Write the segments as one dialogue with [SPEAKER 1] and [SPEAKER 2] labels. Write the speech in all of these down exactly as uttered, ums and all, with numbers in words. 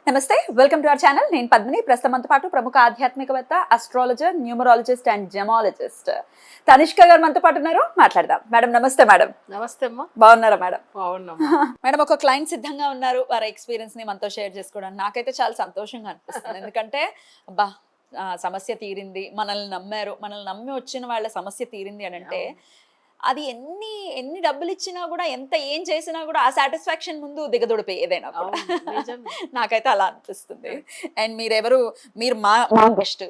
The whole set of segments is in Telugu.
[SPEAKER 1] నమస్తే, వెల్కమ్ టు అవర్ ఛానల్. నేను పద్మిని. ప్రస్తుతం మనతో పాటు ప్రముఖ ఆధ్యాత్మికవేత్త, astrologer, numerologist and gemologist Tanishka గారు మనతో పాటు ఉన్నారు. మాట్లాడదాం. మేడం నమస్తే. మేడం
[SPEAKER 2] నమస్తే అమ్మా.
[SPEAKER 1] బాగున్నారా మేడం?
[SPEAKER 2] బాగున్నామా
[SPEAKER 1] మేడం, ఒక క్లయింట్ సిద్ధంగా ఉన్నారు వారి ఎక్స్పీరియన్స్ ని మనతో షేర్ చేసుకోవడానికి. నాకైతే చాలా సంతోషంగా అనిపిస్తుంది. ఎందుకంటే అబ్బా ఆ, సమస్య తీరింది, మనల్ని నమ్మారు, మనల్ని నమ్మి వచ్చిన వాళ్ళ సమస్య తీరింది అని అంటే అది ఎన్ని ఎన్ని డబ్బులు ఇచ్చినా కూడా, ఎంత ఏం చేసినా కూడా ఆ సాటిస్ఫాక్షన్ ముందు దిగదొడిపోయి ఏదైనా కూడా. నాకైతే అలా అనిపిస్తుంది. అండ్ మీరెవరు, మీరు మా best.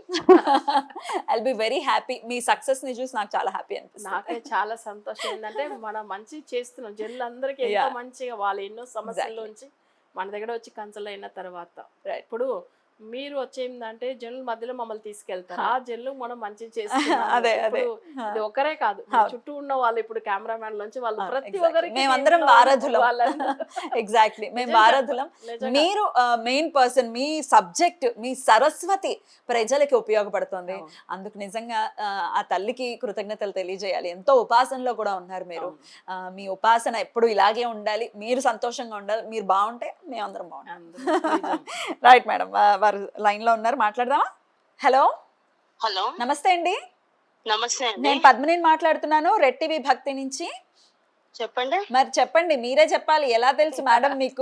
[SPEAKER 1] I'll be very happy. మీ సక్సెస్ ని చూసి నాకు చాలా హ్యాపీ అనిపిస్తుంది.
[SPEAKER 2] నాకే చాలా సంతోషం. ఏంటంటే మనం మంచి చేస్తున్నాం, జనులందరికీ ఎంతో మంచిగా, వాళ్ళు ఎన్నో సమస్యల్లోంచి మన దగ్గర వచ్చి కన్సల్ట్ అయిన తర్వాత ఇప్పుడు మీరు వచ్చేందంటే జనుల మధ్యలో మమ్మల్ని తీసుకెళ్తారు. ఆ జనులు మనం మంచి చేస్తున్నాం.
[SPEAKER 1] అదే అదే
[SPEAKER 2] ఇది ఒకరే కాదు, చుట్టూ ఉన్న వాళ్ళు ఇప్పుడు కెమెరామెన్ నుంచి వాళ్ళు ప్రతి ఒక్కరికి
[SPEAKER 1] మేమందరం వారధులం. ఎగ్జాక్ట్లీ, మేము వారధులం. మీరు మెయిన్ పర్సన్. మీ సబ్జెక్ట్, మీ సరస్వతి ప్రజలకి ఉపయోగపడుతుంది. అందుకు నిజంగా ఆ తల్లికి కృతజ్ఞతలు తెలియజేయాలి. ఎంతో ఉపాసనలో కూడా ఉన్నారు మీరు. మీ ఉపాసన ఎప్పుడు ఇలాగే ఉండాలి, మీరు సంతోషంగా ఉండాలి. మీరు బాగుంటే మేమందరం బాగుంటాం. రైట్ మేడం, వారు లైన్ లో ఉన్నారు, మాట్లాడదామా? హలో
[SPEAKER 3] హలో
[SPEAKER 1] నమస్తే అండి.
[SPEAKER 3] నమస్తే అండి.
[SPEAKER 1] నేను పద్మిని మాట్లాడుతున్నాను, రెడ్ టీవీ భక్తి నుంచి.
[SPEAKER 3] చెప్పండి.
[SPEAKER 1] మరి చెప్పండి, మీరే చెప్పాలి. ఎలా తెలుసు మేడం మీకు?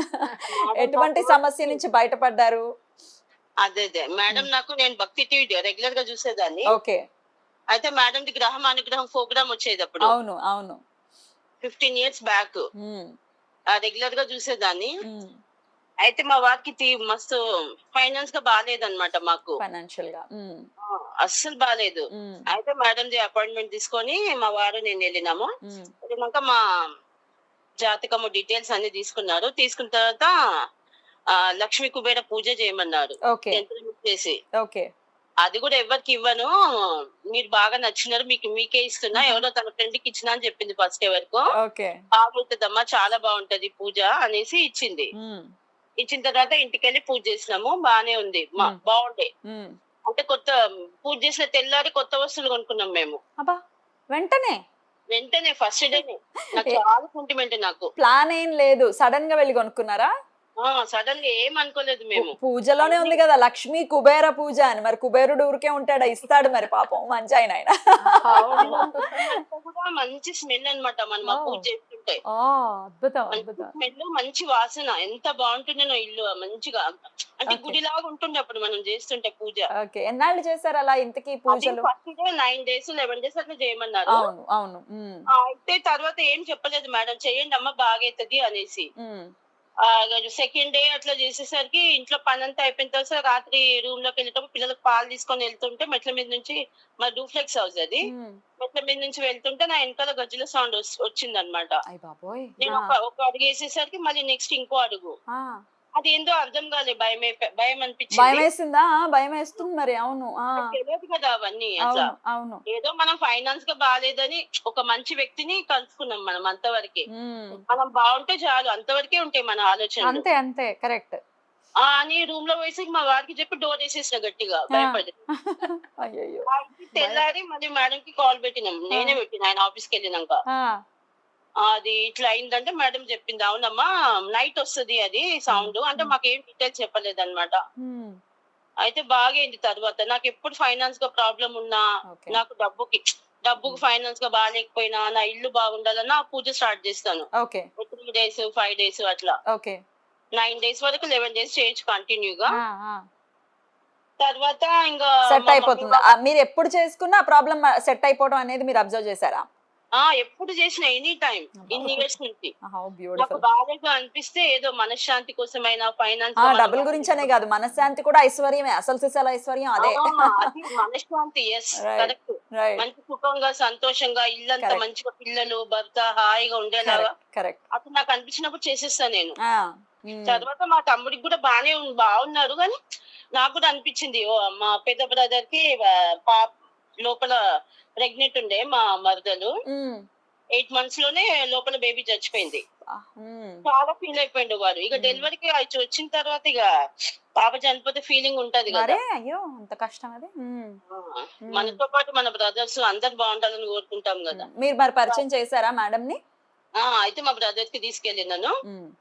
[SPEAKER 1] ఎటువంటి సమస్య నుంచి బయటపడ్డారు?
[SPEAKER 3] అదే అదే మేడం, నాకు నేను భక్తి టీవీ రెగ్యులర్ గా చూసేదాన్ని.
[SPEAKER 1] ఓకే.
[SPEAKER 3] అయితే మేడం ది గ్రహం అనుగ్రహం ప్రోగ్రామ్ వచ్చేది అప్పుడు.
[SPEAKER 1] అవును అవును.
[SPEAKER 3] ఫిఫ్టీన్ ఇయర్స్ బ్యాక్
[SPEAKER 1] ఉమ్,
[SPEAKER 3] రెగ్యులర్ గా చూసేదాన్ని.
[SPEAKER 1] ఉమ్.
[SPEAKER 3] అయితే మా వారికి తీ- మస్తు ఫైనాన్స్ గా బాగాలేదన్నమాట మాకు.
[SPEAKER 1] ఫైనాన్షియల్ గా. ఉమ్,
[SPEAKER 3] ఆ, అస్సలు బాగాలేదు.
[SPEAKER 1] ఉమ్,
[SPEAKER 3] అయితే మేడం ది అపాయింట్మెంట్ తీసుకొని మా వారు నేను వెళ్ళినాము.
[SPEAKER 1] ఉమ్.
[SPEAKER 3] వెళ్ళినాక మా జాతకము డీటెయిల్స్ అన్ని తీసుకున్నారు. తీసుకున్న తర్వాత ఆ లక్ష్మీ కుబేర పూజ చేయమన్నారు.
[SPEAKER 1] ఓకే
[SPEAKER 3] యంత్రం చేసి
[SPEAKER 1] ఓకే.
[SPEAKER 3] అది కూడా ఎవరికి ఇవ్వను, మీరు బాగా నచ్చినారు, మీకు మీకే ఇస్తున్నా, ఎవరో తన ఫ్రెండ్ కి ఇచ్చినా అని చెప్పింది ఫస్ట్. ఎవరికో
[SPEAKER 1] ఓకే.
[SPEAKER 3] బాగుంటదమ్మా, చాలా బాగుంటది పూజ అనేసి ఇచ్చింది.
[SPEAKER 1] ఉమ్,
[SPEAKER 3] ఇచ్చిన తర్వాత ఇంటికి వెళ్ళి పూజ చేసినాము. బానే ఉంది, మా
[SPEAKER 1] మ్మ్.
[SPEAKER 3] బాగుండే.
[SPEAKER 1] ఉమ్.
[SPEAKER 3] అంటే కొత్త పూజ చేసిన తెల్లారి కొత్త వస్తువులు కొనుక్కున్నాం మేము
[SPEAKER 1] అబ్బా, వెంటనే
[SPEAKER 3] వెంటనే, ఫస్ట్ డేనే. నాకు చాలా సెంటిమెంట్. నాకు
[SPEAKER 1] ప్లాన్ ఏం లేదు, సడన్ గా వెళ్ళి కొనుక్కున్నారా?
[SPEAKER 3] ఆ సడన్ గా ఏం అనుకోలేదు మేము.
[SPEAKER 1] పూజలోనే ఉంది కదా లక్ష్మీ కుబేర పూజ అని. మరి కుబేరుడు ఊరికే ఉంటాడా? ఇస్తాడు మరి, పాపం మంచి ఆయన ఆయన.
[SPEAKER 3] అంతా కూడా మంచి స్మెల్ అన్నమాట మనం ఆ పూజ చేస్తుంటే.
[SPEAKER 1] ఆ, అద్భుతం
[SPEAKER 3] మంచి
[SPEAKER 1] అద్భుతం.
[SPEAKER 3] స్మెల్, మంచి వాసన, ఎంత బాగుంటుండేనో ఇల్లు మంచిగా. అంటే
[SPEAKER 1] Okay.
[SPEAKER 3] గుడిలాగా ఉంటుండే అప్పుడు మనం చేస్తుంటే పూజ.
[SPEAKER 1] ఓకే. ఎన్నాళ్ళు చేశారు అలా ఇంతకీ పూజలు?
[SPEAKER 3] First day nine days eleven days అట్లా చేయమన్నారు.
[SPEAKER 1] అవును అవును. ఉమ్,
[SPEAKER 3] ఆ, అయితే తర్వాత ఏం చెప్పలేదు మేడం, చెయ్యండి అమ్మ బాగైతది అనేసి.
[SPEAKER 1] ఉమ్.
[SPEAKER 3] సెకండ్ డే అట్లా చేసేసరికి ఇంట్లో పని అంతా అయిపోయిన తర్వాత రాత్రి రూమ్ లోకి వెళ్ళేటప్పుడు పిల్లలకు పాలు తీసుకొని వెళ్తుంటే మెట్ల మీద నుంచి, మా డూప్లెక్స్ హౌస్ అది,
[SPEAKER 1] ఉమ్.
[SPEAKER 3] మెట్ల మీద నుంచి వెళ్తుంటే నా వెనకాల గజ్జల సౌండ్ వచ్చింది అనమాట.
[SPEAKER 1] అయ్ బాబోయ్.
[SPEAKER 3] నేను
[SPEAKER 1] ఆ,
[SPEAKER 3] ఒక ఒక అడుగు వేసేసరికి మళ్ళీ నెక్స్ట్ ఇంకో అడుగు.
[SPEAKER 1] ఆ.
[SPEAKER 3] అది ఏందో అర్థం కాలేదు, భయం అయిపో- భయం
[SPEAKER 1] భయం
[SPEAKER 3] అనిపించింది.
[SPEAKER 1] వేసిందా? ఆ, భయం వేస్తుంది మరి. అవును. ఆ,
[SPEAKER 3] నాకు తెలియదు కదా అవన్నీ. అట్లా
[SPEAKER 1] అవును అవును.
[SPEAKER 3] ఏదో మనం ఫైనాన్స్ గా బాగాలేదని ఒక మంచి వ్యక్తిని కలుసుకున్నాం మనం, అంతవరకే.
[SPEAKER 1] ఉమ్.
[SPEAKER 3] మనం బాగుంటే చాలు, అంతవరకే ఉంటాయి మన ఆలోచనలు.
[SPEAKER 1] అంతే అంతే, కరెక్ట్.
[SPEAKER 3] ఆ అని రూమ్ లో వేసి మా వారికి చెప్పి డోర్ వేసేసిన గట్టిగా భయపడి.
[SPEAKER 1] అయ్యయ్యో.
[SPEAKER 3] ఆ ఇంటికి తెల్లారి మళ్ళీ మేడం కి కాల్ పెట్టినాం, నేనే పెట్టిన ఆయన ఆఫీస్ కి వెళ్ళినాక.
[SPEAKER 1] ఆ,
[SPEAKER 3] అది ఇట్లా అయిందంటే మేడం చెప్పింది, అవునమ్మా నైట్ వస్తుంది అది సౌండ్ అంటే, మాకు ఏం డీటెయిల్స్ చెప్పలేదు అనమాట.
[SPEAKER 1] ఉమ్.
[SPEAKER 3] అయితే బాగైంది తర్వాత. నాకు ఎప్పుడు ఫైనాన్స్ గా ప్రాబ్లం ఉన్నా,
[SPEAKER 1] ఓకే.
[SPEAKER 3] నాకు డబ్బుకి డబ్బుకి ఫైనాన్స్ గా బాగాలేకపోయినా, నా ఇల్లు బాగుండాలన్నా ఆ పూజ స్టార్ట్ చేస్తాను.
[SPEAKER 1] Okay
[SPEAKER 3] three days five days అట్లా
[SPEAKER 1] ఓకే.
[SPEAKER 3] నైన్ డేస్ వరకు లెవెన్ డేస్ చేయొచ్చు కంటిన్యూగా.
[SPEAKER 1] ఆ, ఆ.
[SPEAKER 3] తర్వాత ఇంకా
[SPEAKER 1] సెట్
[SPEAKER 3] మా
[SPEAKER 1] అయిపోతుంది.
[SPEAKER 3] మమ్మీ
[SPEAKER 1] ఆ, మీరు ఎప్పుడు చేసుకున్నా ఆ ప్రాబ్లం సెట్ అయిపోవడం అనేది మీరు అబ్జర్వ్ చేశారా?
[SPEAKER 3] ఆ ఎప్పుడు చేసిన ఎనీ టైం ఇన్ని ఇయర్స్ నుంచి
[SPEAKER 1] హౌ
[SPEAKER 3] నాకు
[SPEAKER 1] బ్యూటిఫుల్.
[SPEAKER 3] బాగా అనిపిస్తే ఏదో మనశ్శాంతి కోసమైనా ఫైనాన్స్
[SPEAKER 1] ఆ, డబ్బుల గురించి అనే కాదు, మనశ్శాంతి కూడా ఐశ్వర్యమే. అసలు సిసల ఐశ్వర్యం అదే.
[SPEAKER 3] అది మనశ్శాంతి. Yes
[SPEAKER 1] Right.
[SPEAKER 3] కరెక్ట్.
[SPEAKER 1] రైట్.
[SPEAKER 3] మంచి సుఖంగా సంతోషంగా ఇల్లంతా
[SPEAKER 1] Correct.
[SPEAKER 3] మంచిగా, పిల్లలు భర్త హాయిగా ఉండేలాగా
[SPEAKER 1] కరెక్ట్.
[SPEAKER 3] అప్పుడు నాకు అనిపించినప్పుడు చేసేస్తా నేను.
[SPEAKER 1] ఆ.
[SPEAKER 3] తర్వాత మా తమ్ముడికి కూడా బానే ఉం- బాగున్నారు, కానీ నాకు కూడా అనిపించింది, ఓ మా పెద్ద బ్రదర్ కి పాప లోపల ప్రెగ్నెంట్ ఉండే మా మరదలు. ఎయిట్ మంత్స్ లోనే లోపల బేబీ చచ్చిపోయింది. చాలా ఫీల్ అయిపోయిండు వాడు. ఇక డెలివరీకి అది వచ్చిన తర్వాత ఇక పాప చనిపోతే ఫీలింగ్ ఉంటది కదా.
[SPEAKER 1] అయ్యో, అంత కష్టం అది. ఉమ్.
[SPEAKER 3] ఆ, మనతో పాటు మన బ్రదర్స్ అందరు బాగుండాలని కోరుకుంటాం కదా.
[SPEAKER 1] మీరు మరి పరిచయం చేశారా మేడం ని?
[SPEAKER 3] ఆ అయితే మా బ్రదర్ కి తీసుకెళ్ళినాను.
[SPEAKER 1] ఉమ్.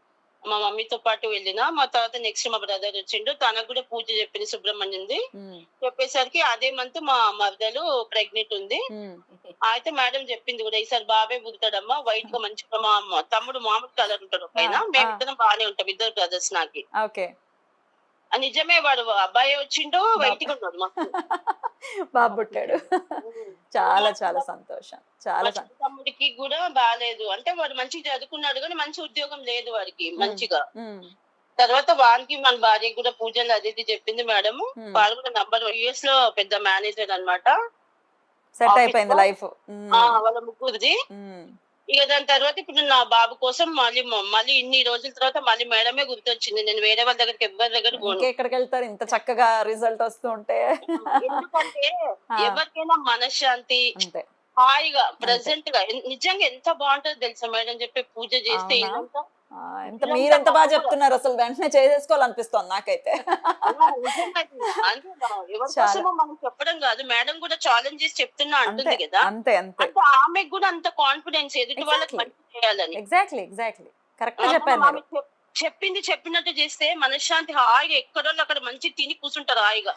[SPEAKER 3] మా మమ్మీతో పాటు వెళ్ళిన. మా తర్వాత నెక్స్ట్ మా బ్రదర్ వచ్చిండు. తనకు కూడా పూజ చెప్పింది సుబ్రహ్మణ్యంది.
[SPEAKER 1] ఉమ్,
[SPEAKER 3] చెప్పేసరికి అదే మంత్ మా మరదలు ప్రెగ్నెంట్ ఉంది.
[SPEAKER 1] ఉమ్,
[SPEAKER 3] అయితే మేడం చెప్పింది కూడా ఈసారి బాబే పుడతాడమ్మా, వైట్ గా మంచిగా మా అమ్మ- తమ్ముడు మామూలు కలర్ ఉంటాడు పైన,
[SPEAKER 1] ఆ,
[SPEAKER 3] మేమిద్దరం బాగానే ఉంటాం, ఇద్దరు బ్రదర్స్ నాకి.
[SPEAKER 1] ఓకే.
[SPEAKER 3] ఆ నిజమే, వాడు అబ్బాయి వచ్చిండు, వైట్ గా ఉన్నాడు మస్తు.
[SPEAKER 1] బాబు పుట్టాడు. చాలా చాలా సంతోషం, చాలా
[SPEAKER 3] మా
[SPEAKER 1] సం-
[SPEAKER 3] చిన్న తమ్ముడికి కూడా బాగాలేదు, అంటే వాడు మంచిగా చదువుకున్నాడు కానీ మంచి ఉద్యోగం లేదు వాడికి మంచిగా.
[SPEAKER 1] ఉమ్,
[SPEAKER 3] తర్వాత వానికి మన భార్యకి కూడా పూజలు అది ఇది చెప్పింది మేడం.
[SPEAKER 1] Hmm.
[SPEAKER 3] వాడు కూడా నంబర్ యుఎస్ లో పెద్ద మేనేజర్ అన్నమాట.
[SPEAKER 1] సెట్
[SPEAKER 3] Office
[SPEAKER 1] అయిపోయింది
[SPEAKER 3] లో?
[SPEAKER 1] లైఫ్.
[SPEAKER 3] ఆ వాళ్ళ ముగ్గురిది. ఇక దాని తర్వాత ఇప్పుడు నా బాబు కోసం మళ్ళీ మళ్ళీ ఇన్ని రోజుల తర్వాత మళ్ళీ మేడమే గుర్తొచ్చింది. నేను వేరే వాళ్ళ దగ్గరికి ఎవరి దగ్గర పోను.
[SPEAKER 1] ఇంకెక్కడికి వెళ్తారు ఇంత చక్కగా రిజల్ట్ వస్తూ ఉంటే?
[SPEAKER 3] ఎందుకంటే
[SPEAKER 1] ఆ.
[SPEAKER 3] ఎవరికైనా మనశ్శాంతి
[SPEAKER 1] అంతే.
[SPEAKER 3] హాయిగా ప్రెసెంట్ గా ఎన్- నిజంగా ఎంత బాగుంటది తెలుసా మేడం చెప్పే పూజ చేస్తే
[SPEAKER 1] అవునా?
[SPEAKER 3] ఇదంతా.
[SPEAKER 1] ఆ, ఎంత మీరెంత బాగా చెప్తున్నారు, అసలు వెంటనే చేసేసుకోవాలనిపిస్తోంది నాకైతే.
[SPEAKER 3] అలా నిజంగా అది. అంటే ఎవరి
[SPEAKER 1] చాలా.
[SPEAKER 3] కోసమో మనం చెప్పడం కాదు, మేడం కూడా ఛాలెంజ్ చేసి చెప్తున్నా
[SPEAKER 1] అంతే
[SPEAKER 3] అంటుంది కదా.
[SPEAKER 1] అంతే అంతే.
[SPEAKER 3] అంటే ఆమెకు కూడా అంత కాన్ఫిడెన్స్ ఎదుటి వాళ్ళకి
[SPEAKER 1] Exactly.
[SPEAKER 3] మంచి చేయాలని.
[SPEAKER 1] ఎగ్జాక్ట్లీ ఎగ్జాక్ట్లీ కరెక్ట్
[SPEAKER 3] ఆ,
[SPEAKER 1] చెప్పారు
[SPEAKER 3] ఆమె
[SPEAKER 1] మీరు.
[SPEAKER 3] చెప్- చెప్పింది చెప్పినట్టు చేస్తే మనశ్శాంతి, హాయిగా ఎక్కడో అక్కడ మంచి తిని కూర్చుంటారు హాయిగా.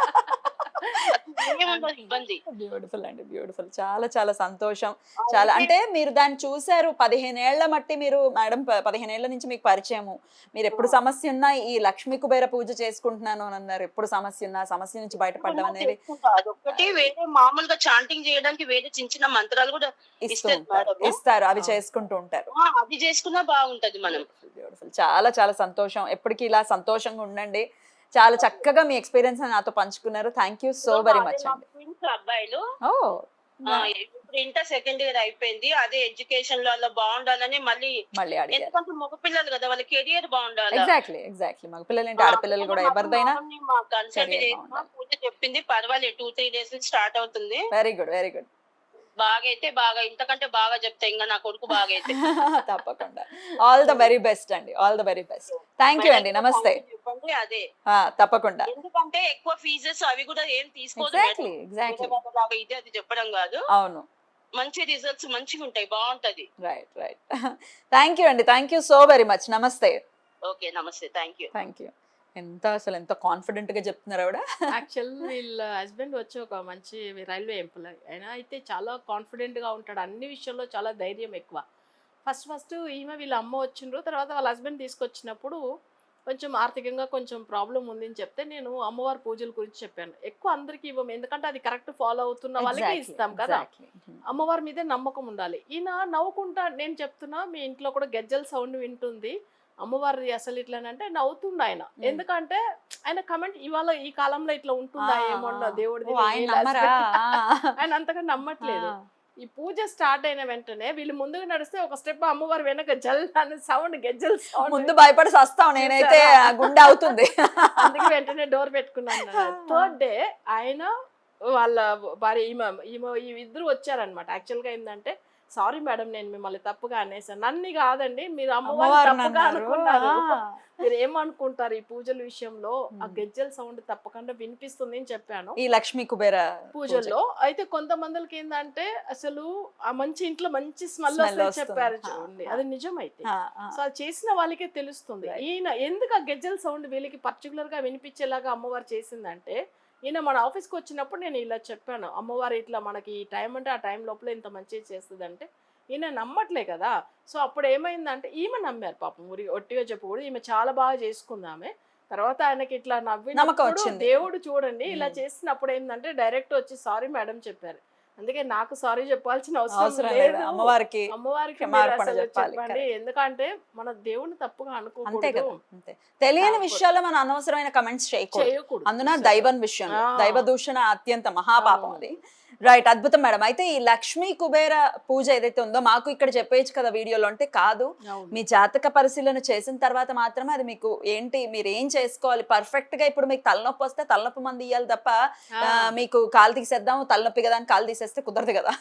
[SPEAKER 3] ఏముండదు ఇబ్బంది.
[SPEAKER 1] బ్యూటిఫుల్ అండి, బ్యూటిఫుల్. చాలా చాలా సంతోషం. చాలా అంటే మీరు దాన్ని చూసారు పదిహేను ఏళ్ల మట్టి, మీరు మేడం పదిహేను ఏళ్ల నుంచి మీకు పరిచయము. మీరు ఎప్పుడు సమస్య ఉన్నా ఈ లక్ష్మీ కుబేర పూజ చేసుకుంటున్నాను అని అన్నారు. ఎప్పుడు సమస్య ఉన్నా సమస్య నుంచి బయటపడడం అనేది
[SPEAKER 3] చేసుకుంటా. అదొక్కటి వేరే మామూలుగా చాంటింగ్ చేయడానికి వేరే చిన్న చిన్న మంత్రాలు కూడా
[SPEAKER 1] ఇస్తూ
[SPEAKER 3] ఇస్తారు
[SPEAKER 1] ఉంటారు,
[SPEAKER 3] మేడం.
[SPEAKER 1] ఇస్తారు, అవి చేసుకుంటూ ఉంటారు.
[SPEAKER 3] ఆ, అది చేసుకున్నా బాగుంటది మనం.
[SPEAKER 1] బ్యూటిఫుల్. చాలా చాలా సంతోషం. ఎప్పటికీ ఇలా సంతోషంగా ఉండండి. చాలా చక్కగా మీ ఎక్స్పీరియన్స్ నాతో పంచుకున్నారు. Thank you so very much
[SPEAKER 3] మా
[SPEAKER 1] అండి.
[SPEAKER 3] twins అబ్బాయిలు
[SPEAKER 1] ఓ
[SPEAKER 3] ఆ, ఇప్పుడు ఇంటర్ సెకండ్ ఇయర్ అయిపోయింది. అదే ఎడ్యుకేషన్ లో అలా బాగుండాలని మళ్ళీ,
[SPEAKER 1] మళ్ళీ అడిగారు.
[SPEAKER 3] ఎందుకంటే మగపిల్లలు కదా, వాళ్ళ కెరియర్ బాగుండాలి.
[SPEAKER 1] ఎగ్జాక్ట్లీ ఎగ్జాక్ట్లీ మగ పిల్లలు ఏంటి ఆడపిల్లలు కూడా ఎవరిదైనా
[SPEAKER 3] కన్సల్ట్
[SPEAKER 1] career
[SPEAKER 3] చేసిన
[SPEAKER 1] బాగుండాలి.
[SPEAKER 3] పూజ చెప్పింది, పర్వాలేదు టూ త్రీ డేస్ నుంచి స్టార్ట్ అవుతుంది.
[SPEAKER 1] Very good very good.
[SPEAKER 3] బాగా అయితే బాగా, ఇంతకంటే బాగా చెప్తా ఇంకా నా కొడుకు బాగా అయితే.
[SPEAKER 1] తప్పకుండా. ఆల్ ద వెరీ బెస్ట్ అండి, all the very best. Thank you అండి, నమస్తే.
[SPEAKER 3] చెప్పండి అదే,
[SPEAKER 1] ఆ, తప్పకుండా.
[SPEAKER 3] ఎందుకంటే ఎక్కువ ఫీజెస్ అవి కూడా ఏం తీసుకోదు
[SPEAKER 1] ఎగ్జాక్ట్లీ
[SPEAKER 3] మేడం.
[SPEAKER 1] ఎగ్జాక్ట్లీ.
[SPEAKER 3] వేరే వాళ్ళలాగా ఇది అది చెప్పడం కాదు,
[SPEAKER 1] అవును.
[SPEAKER 3] మంచి రిజల్ట్స్ మంచిగా ఉంటాయి, బాగుంటది.
[SPEAKER 1] Right right. థ్యాంక్ యూ అండి, thank you so very much. నమస్తే.
[SPEAKER 3] ఓకే నమస్తే, థ్యాంక్ యూ.
[SPEAKER 1] Thank you. ఎంత అసలు ఎంత కాన్ఫిడెంట్ గా చెప్తున్నారు ఆవిడ.
[SPEAKER 2] యాక్చువల్ వీళ్ళ హస్బెండ్ వచ్చి ఒక మంచి రైల్వే ఎంప్లాయ్, ఆయన అయితే చాలా కాన్ఫిడెంట్గా ఉంటాడు, అన్ని విషయంలో చాలా ధైర్యం ఎక్కువ. ఫస్ట్ ఫస్ట్ ఈమె వీళ్ళ అమ్మ వచ్చిండ్రు, తర్వాత వాళ్ళ హస్బెండ్ తీసుకొచ్చినప్పుడు కొంచెం ఆర్థికంగా కొంచెం ప్రాబ్లం ఉంది అని చెప్తే నేను అమ్మవారి పూజల గురించి చెప్పాను. ఎక్కువ అందరికీ ఇవ్వము, ఎందుకంటే అది కరెక్ట్ ఫాలో అవుతున్న వాళ్ళకి
[SPEAKER 1] Exactly,
[SPEAKER 2] ఇస్తాం కదా.
[SPEAKER 1] exactly.
[SPEAKER 2] అమ్మవారి మీదే నమ్మకం ఉండాలి. ఈయన నవ్వుకుంటా, నేను చెప్తున్నా మీ ఇంట్లో కూడా గజ్జల సౌండ్ వింటుంది అమ్మవారి అసలు ఇట్లానంటే నవ్వుతుండు ఆయన. ఎందుకంటే ఆయన కమెంట్ ఇవాళ ఈ కాలంలో ఇట్లా ఉంటుందా
[SPEAKER 1] ఆ,
[SPEAKER 2] ఏమో
[SPEAKER 1] ఆ.
[SPEAKER 2] దేవుడిది
[SPEAKER 1] ఓ, ఆయన
[SPEAKER 2] వీళ్ళ
[SPEAKER 1] నమ్మరా?
[SPEAKER 2] husband. ఆయన అంతగా నమ్మట్లేదు.
[SPEAKER 1] ఆ.
[SPEAKER 2] ఈ పూజ స్టార్ట్ అయిన వెంటనే వీళ్ళు ముందుకు నడిస్తే ఒక స్టెప్ అమ్మవారి వెనక జల్ అనే సౌండ్ గజ్జల సౌండ్,
[SPEAKER 1] ముందు భయపడి వస్తాం, నేనైతే ఆ గుండె అవుతుంది.
[SPEAKER 2] అందుకే వెంటనే డోర్ పెట్టుకున్నాను. థర్డ్ డే ఆయన వాళ్ళ భార్య ఈమె ఈమె ఈ ఇద్దరు వచ్చారనమాట. యాక్చువల్గా ఏంటంటే సారీ మేడం నేను మిమ్మల్ని తప్పుగా అనేసాను. నన్ను కాదండి, మీరు అమ్మవారిని
[SPEAKER 1] అమ్మవారిని
[SPEAKER 2] తప్పుగా
[SPEAKER 1] అన్నారు.
[SPEAKER 2] అనుకున్నారు.
[SPEAKER 1] ఆ.
[SPEAKER 2] మీరు ఏమనుకుంటారు ఈ పూజల విషయంలో, ఆ
[SPEAKER 1] Hmm.
[SPEAKER 2] గజ్జల సౌండ్ తప్పకుండా వినిపిస్తుంది అని చెప్పాను
[SPEAKER 1] ఈ లక్ష్మీ కుబేర
[SPEAKER 2] పూజల్లో. అయితే కొంతమందికి ఏంటంటే అసలు ఆ మంచి ఇంట్లో మంచి స్మెల్
[SPEAKER 1] Smell
[SPEAKER 2] వస్తుంది
[SPEAKER 1] వస్తుంది.
[SPEAKER 2] చెప్పారు
[SPEAKER 1] ఆ,
[SPEAKER 2] చూడండి,
[SPEAKER 1] ఆ.
[SPEAKER 2] అది నిజమైతే.
[SPEAKER 1] ఆ, ఆ.
[SPEAKER 2] సో అది చేసిన వాళ్ళకే తెలుస్తుంది.
[SPEAKER 1] Right.
[SPEAKER 2] ఈయన ఎందుకు ఆ గజ్జల సౌండ్ వీళ్ళకి పర్టికులర్ గా వినిపించేలాగా అమ్మవారు చేసిందంటే, ఈయన మన ఆఫీస్కి వచ్చినప్పుడు నేను ఇలా చెప్పాను, అమ్మవారు ఇట్లా మనకి ఈ టైం అంటే ఆ టైం లోపల ఇంత మంచిగా చేస్తుంది అంటే ఈయన నమ్మట్లే కదా. సో అప్పుడు ఏమైందంటే ఈమె నమ్మారు పాపం, ఊరి ఒట్టిగా చెప్పకూడదు, ఈమె చాలా బాగా చేసుకుంది ఆమె. తర్వాత ఆయనకి ఇట్లా
[SPEAKER 1] నమ్మకం
[SPEAKER 2] నవ్వినప్పుడు
[SPEAKER 1] వచ్చింది.
[SPEAKER 2] దేవుడు చూడండి ఇలా
[SPEAKER 1] Hmm.
[SPEAKER 2] చేసినప్పుడు ఏంటంటే డైరెక్ట్ వచ్చి సారీ మేడం చెప్పారు. అందుకే నాకు సారీ చెప్పాల్సిన
[SPEAKER 1] అవసరం
[SPEAKER 2] అవసరం
[SPEAKER 1] లేదు,
[SPEAKER 2] లేదు,
[SPEAKER 1] అమ్మవారికి
[SPEAKER 2] అమ్మవారికి మీరు
[SPEAKER 1] క్షమాపణ
[SPEAKER 2] అసలు
[SPEAKER 1] చెప్పాలి.
[SPEAKER 2] చెప్పండి. ఎందుకంటే మన దేవుని తప్పుగా
[SPEAKER 1] అంతే
[SPEAKER 2] అనుకోకూడదు,
[SPEAKER 1] కదా, అంతే. తెలియని
[SPEAKER 2] కాకపోతే-
[SPEAKER 1] విషయాల్లో మనం అనవసరమైన కమెంట్స్ చేయకూడదు.
[SPEAKER 2] చేయకూడదు.
[SPEAKER 1] అందున దైవం విషయంలో
[SPEAKER 2] ఆ.
[SPEAKER 1] దైవ దూషణ అత్యంత మహాపాపం
[SPEAKER 2] అవును.
[SPEAKER 1] అది. రైట్, అద్భుతం మేడం. అయితే ఈ లక్ష్మీ కుబేర పూజ ఏదైతే ఉందో మాకు ఇక్కడ చెప్పేయచ్చు కదా వీడియోలో, అంటే కాదు,
[SPEAKER 2] అవును.
[SPEAKER 1] మీ జాతక పరిశీలన చేసిన తర్వాత మాత్రమే అది మీకు ఏంటి మీరు ఏం చేసుకోవాలి పర్ఫెక్ట్ గా. ఇప్పుడు మీకు తలనొప్పి వస్తే తలనొప్పి మంది ఇవ్వాలి తప్ప
[SPEAKER 2] ఆ.
[SPEAKER 1] ఆ, మీకు కాలు తీసేద్దాం తలనొప్పి కదా అని కాలు తీసేస్తే కుదరదు కదా.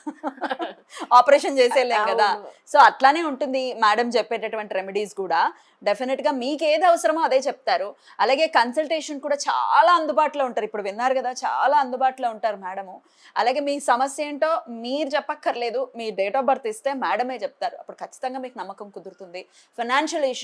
[SPEAKER 1] ఆపరేషన్ చేసేయలేం కదా.
[SPEAKER 2] అవును.
[SPEAKER 1] సో అట్లానే ఉంటుంది మేడం చెప్పేటటువంటి రెమెడీస్ కూడా. డెఫినెట్ గా మీకు ఏది అవసరమో అదే చెప్తారు. అలాగే కన్సల్టేషన్ కూడా చాలా అందుబాటులో ఉంటారు. ఇప్పుడు విన్నారు కదా, చాలా అందుబాటులో ఉంటారు మేడము. అలాగే మీ సమస్య ఏంటో మీరు చెప్పక్కర్లేదు, మీ డేట్ ఆఫ్ బర్త్ ఇస్తే మేడమే చెప్తారు. అప్పుడు ఖచ్చితంగా మీకు నమ్మకం కుదురుతుంది. Financial issue